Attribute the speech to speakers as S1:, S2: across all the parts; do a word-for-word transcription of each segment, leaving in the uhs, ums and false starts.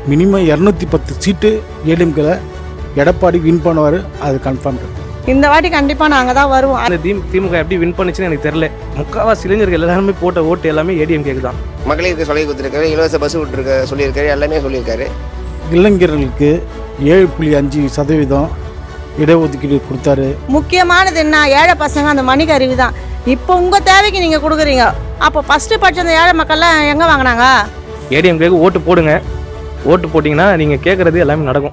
S1: Minimum இரநூத்தி பத்து சீட்டு ஏடிஎம்கேல Edappadi win பண்ணுவார், அது கன்ஃபார்ம்.
S2: இந்த வாட்டி கண்டிப்பாக நாங்கள் தான் வருவோம்.
S3: அந்த திமுக எப்படி வின் பண்ணுச்சுன்னு எனக்கு தெரியல. முக்கால்வாசி இளைஞர்கள் எல்லாருமே போட்ட ஓட்டு எல்லாமே ஏடிஎம்கேக்கு தான்.
S4: மகளிருக்கு சொல்லி கொடுத்துருக்காரு, இலவச பஸ் விட்டுருக்க சொல்லியிருக்காரு, எல்லாமே சொல்லியிருக்காரு.
S1: இளைஞர்களுக்கு ஏழு புள்ளி அஞ்சு சதவீதம் இடஒதுக்கீடு கொடுத்தாரு.
S2: முக்கியமானது என்ன, ஏழை பசங்க அந்த மணிக்கு அறிவு தான். இப்போ உங்கள் தேவைக்கு நீங்கள் கொடுக்குறீங்க. அப்போ ஃபஸ்ட்டு படிச்ச அந்த ஏழை மக்கள்லாம் எங்கே வாங்கினாங்க?
S3: ஏடிஎம்கேக்கு ஓட்டு போடுங்க. ஓட்டு போட்டிங்கன்னா நீங்கள் கேட்குறது எல்லாமே நடக்கும்.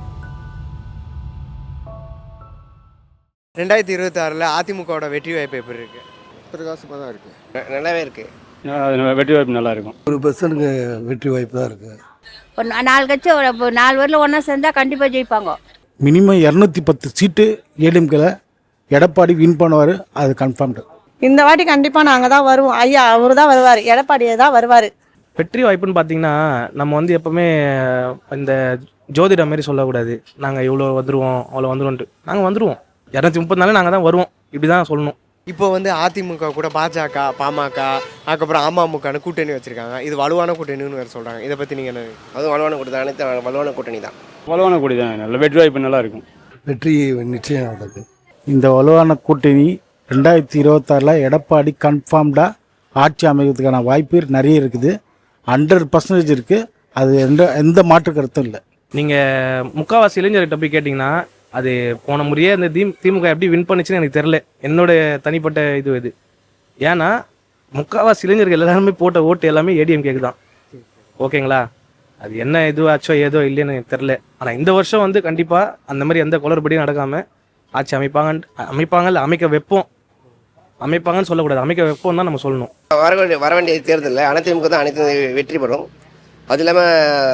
S5: ரெண்டாயிரத்தி இருபத்தி ஆறில் அதிமுகவோட வெற்றி வாய்ப்பு எப்படி இருக்கு?
S6: பிரகாசமாக தான் இருக்குது,
S4: நல்லாவே இருக்குது.
S7: வெற்றி வாய்ப்பு நல்லா இருக்கும்.
S6: ஒரு பர்சனுக்கு வெற்றி வாய்ப்பு தான் இருக்குது.
S8: ஒரு நாலு கட்சி ஒரு நாலு பேரில் ஒன்றா சேர்ந்தால் கண்டிப்பாக ஜெயிப்பாங்க.
S1: மினிமம் இரநூத்தி பத்து சீட்டு ஏடிஎம்கேல எடப்பாடி வின் பண்ணுவார், அது கன்ஃபார்ம்.
S2: இந்த வாட்டி கண்டிப்பாக நாங்கள் தான் வருவோம். ஐயா அவர் தான் வருவார், எடப்பாடியே தான் வருவார்.
S3: வெற்றி வாய்ப்புன்னு பார்த்தீங்கன்னா நம்ம வந்து எப்போவுமே இந்த ஜோதிடம் மாரி சொல்லக்கூடாது. நாங்கள் இவ்வளோ வந்துடுவோம் அவ்வளோ வந்துடுவோன்ட்டு. நாங்கள் வந்துடுவோம். இரநூத்தி முப்பது நாள் நாங்கள் தான் வருவோம், இப்படி தான் சொல்லணும்.
S5: இப்போ வந்து அதிமுக கூட பாஜக, பாமக, அதுக்கப்புறம் அமமுகன்னு கூட்டணி வச்சிருக்காங்க. இது வலுவான கூட்டணின்னு வேறு சொல்கிறாங்க. இதை பற்றி நீங்கள் என்ன?
S4: அதுவும் வலுவான கூட்டணி, அனைத்து வலுவான கூட்டணி தான்.
S7: வலுவான கூட்டணி தான், நல்ல வெற்றி வாய்ப்பு நல்லா இருக்கும்.
S6: வெற்றி நிச்சயம் நடக்குது.
S1: இந்த வலுவான கூட்டணி ரெண்டாயிரத்தி இருபத்தாறில் எடப்பாடி கன்ஃபார்ம்டாக ஆட்சி அமைக்கிறதுக்கான வாய்ப்பு நிறைய இருக்குது. ஹண்ட்ரட் பர்சன்டேஜ் இருக்குது. அது எந்த எந்த மாற்று கருத்தும் இல்லை.
S3: நீங்கள் முக்கால்வாசி இளைஞர்கிட்ட போய் கேட்டிங்கன்னா அது போன முறையே அந்த தி திமுக எப்படி வின் பண்ணுச்சுன்னு எனக்கு தெரில. என்னோடய தனிப்பட்ட இது இது ஏன்னா முக்கால்வாசி இளைஞர்கள் எல்லாருமே போட்ட ஓட்டு எல்லாமே ஏடிஎம்கேக்கு தான். ஓகேங்களா? அது என்ன இதுவாச்சோ ஏதோ இல்லைன்னு எனக்கு தெரில. ஆனால் இந்த வருஷம் வந்து கண்டிப்பாக அந்த மாதிரி எந்த குளறுபடியும் நடக்காமல் ஆட்சி அமைப்பாங்க அமைப்பாங்கல்ல அமைக்க வைப்போம். அமைப்பாங்கன்னு சொல்லக்கூடாது, அமைக்க வைப்போம் தான் நம்ம சொல்லணும்.
S4: வர வேண்டிய வர வேண்டிய தேர்தலில் அனைத்து தான் அனைத்து வெற்றி பெறும். அது இல்லாமல்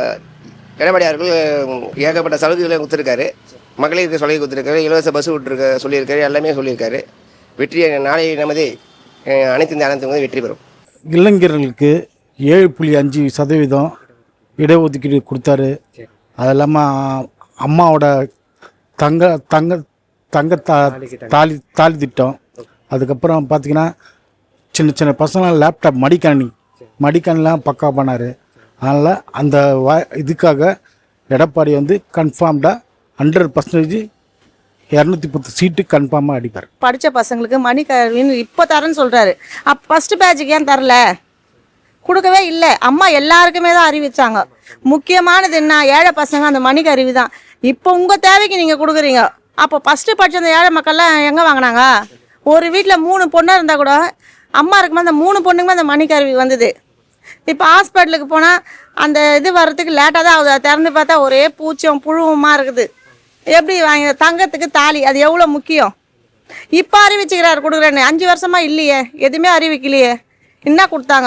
S4: எடப்பாடி அவர்கள் ஏகப்பட்ட சலுகைகளை கொடுத்துருக்காரு. மகளிருக்கு சொல்லி கொடுத்துருக்காரு, இலவச பஸ் விட்டுருக்க சொல்லியிருக்காரு, எல்லாமே சொல்லியிருக்காரு. வெற்றி நாளை நமது அனைத்து இந்த அனைத்து வெற்றி பெறும்.
S1: இளைஞர்களுக்கு ஏழு புள்ளி அஞ்சு சதவீதம் இடஒதுக்கீடு கொடுத்தாரு. அது இல்லாமல் அம்மாவோட தங்க தங்க தங்க தா தாலி தாலி திட்டம். அதுக்கப்புறம் பார்த்திங்கன்னா சின்ன சின்ன பசங்க லேப்டாப் மடிக்கணி மடிக்கணிலாம் பக்கா பண்ணார். அதனால் அந்த வா இதுக்காக எடப்பாடி வந்து கன்ஃபார்ம்டாக ஹண்ட்ரட் பர்சன்டேஜ் இரநூத்தி பத்து சீட்டு கன்ஃபார்மாக அடிப்பார்.
S2: படித்த பசங்களுக்கு மணி கல்வின்னு இப்போ தரேன்னு சொல்கிறாரு. அப்போ ஃபஸ்ட்டு பேட்சுக்கு ஏன் தரல? கொடுக்கவே இல்லை. அம்மா எல்லாருக்குமே தான் அறிவிச்சாங்க. முக்கியமானது என்ன, ஏழை பசங்க அந்த மணிக்கு அறிவு தான். இப்போ உங்கள் தேவைக்கு நீங்கள் கொடுக்குறீங்க. அப்போ ஃபஸ்ட்டு படித்த அந்த ஏழை மக்கள்லாம் எங்கே வாங்கினாங்க? ஒரு வீட்டில் மூணு பொண்ணாக இருந்தால் கூட அம்மா இருக்கும்போது அந்த மூணு பொண்ணுக்குமே அந்த மணிக்கு அறிவு வந்தது. இப்போ ஹாஸ்பிட்டலுக்கு போனால் அந்த இது வர்றதுக்கு லேட்டாக தான் ஆகுது. திறந்து பார்த்தா ஒரே பூச்சியும் புழுவுமா இருக்குது. எப்படி வாங்க தங்கத்துக்கு தாலி அது எவ்வளோ முக்கியம். இப்போ அறிவிச்சுக்கிறாரு கொடுக்குறேன்னு. அஞ்சு வருஷமாக இல்லையே, எதுவுமே அறிவிக்கலையே. என்ன கொடுத்தாங்க?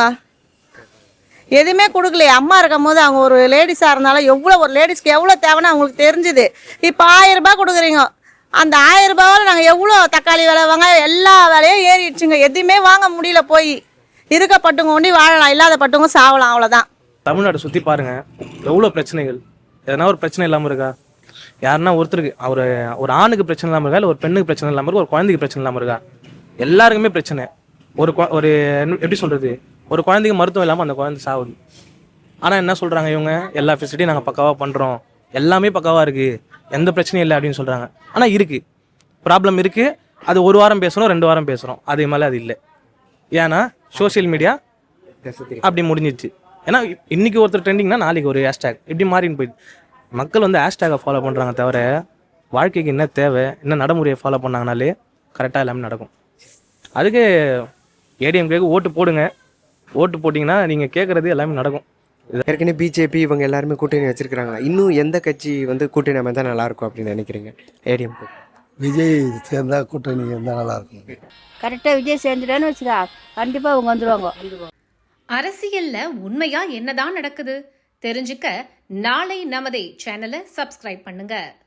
S2: எதுவுமே கொடுக்கலையே. அம்மா இருக்கும் போது அவங்க ஒரு லேடிஸாக இருந்தாலும் எவ்வளோ ஒரு லேடிஸ்க்கு எவ்வளோ தேவைன்னு அவங்களுக்கு தெரிஞ்சுது. இப்போ ஆயிரம் ரூபாய் கொடுக்குறீங்க. அந்த ஆயிரம் ரூபாவில் நாங்கள் எவ்வளோ தக்காளி விலை வாங்க எல்லா விலையும் ஏறிடுச்சுங்க. எதுவுமே வாங்க முடியல. போய் இருக்கப்பட்டவங்க ஒண்டி வாழலாம், இல்லாத பட்டவங்க சாவலாம், அவ்வளோதான்.
S3: தமிழ்நாடு சுற்றி பாருங்கள், எவ்வளோ பிரச்சனைகள். எதனா ஒரு பிரச்சனை இல்லாமல் இருக்கா? யாருன்னா ஒருத்தருக்கு அவர் ஒரு ஆணுக்கு பிரச்சனை இல்லாமல் இருக்கா, இல்லை ஒரு பெண்ணுக்கு பிரச்சனை இல்லாமல் இருக்கா, ஒரு குழந்தைக்கு பிரச்சனை இல்லாமல் இருக்கா? எல்லாருக்குமே பிரச்சனை. ஒரு ஒரு எப்படி சொல்கிறது, ஒரு குழந்தைக்கு மருத்துவம் இல்லாமல் அந்த குழந்தை சாகுது. ஆனால் என்ன சொல்கிறாங்க இவங்க, எல்லா ஃபெசிலிட்டியும் நாங்கள் பக்காவாக பண்ணுறோம், எல்லாமே பக்காவாக இருக்குது, எந்த பிரச்சனையும் இல்லை அப்படின்னு சொல்கிறாங்க. ஆனால் இருக்குது, ப்ராப்ளம் இருக்குது. அது ஒரு வாரம் பேசுகிறோம், ரெண்டு வாரம் பேசுகிறோம், அதே மாதிரி அது இல்லை. ஏன்னா சோஷியல் மீடியா அப்படி முடிஞ்சிச்சு. ஏன்னா இன்றைக்கி ஒருத்தர் ட்ரெண்டிங்னா நாளைக்கு ஒரு ஹேஷ்டேக் இப்படி மாறின்னு போயிடுது. மக்கள் வந்து ஹேஷ்டேகை ஃபாலோ பண்ணுறாங்க தவிர வாழ்க்கைக்கு என்ன தேவை, என்ன நடைமுறையை ஃபாலோ பண்ணாங்கனாலே கரெக்டாக எல்லாமே நடக்கும். அதுக்கு ஏடிஎம்கேக்கு ஓட்டு போடுங்க. ஓட்டு போட்டிங்கன்னா நீங்கள் கேட்குறது எல்லாமே நடக்கும்.
S5: ஏற்கனவே பிஜேபி இவங்க எல்லாருமே கூட்டணி வச்சிருக்கிறாங்க. இன்னும் எந்த கட்சி வந்து கூட்டணி அமைந்தால் நல்லாயிருக்கும் அப்படின்னு நினைக்கிறீங்க? ஏடிஎம்கே
S6: விஜய் சேர்ந்தால் கூட்டணி இருந்தால் நல்லாயிருக்கும்.
S8: கரெக்டாக விஜய் சேர்ந்துட்டான்னு வச்சுக்கா, கண்டிப்பாக அவங்க வந்துடுவாங்க.
S9: அரசியல்ல உண்மையா என்னதான் நடக்குது தெரிஞ்சுக்க நாளை நமதே சேனலை சப்ஸ்கிரைப் பண்ணுங்க.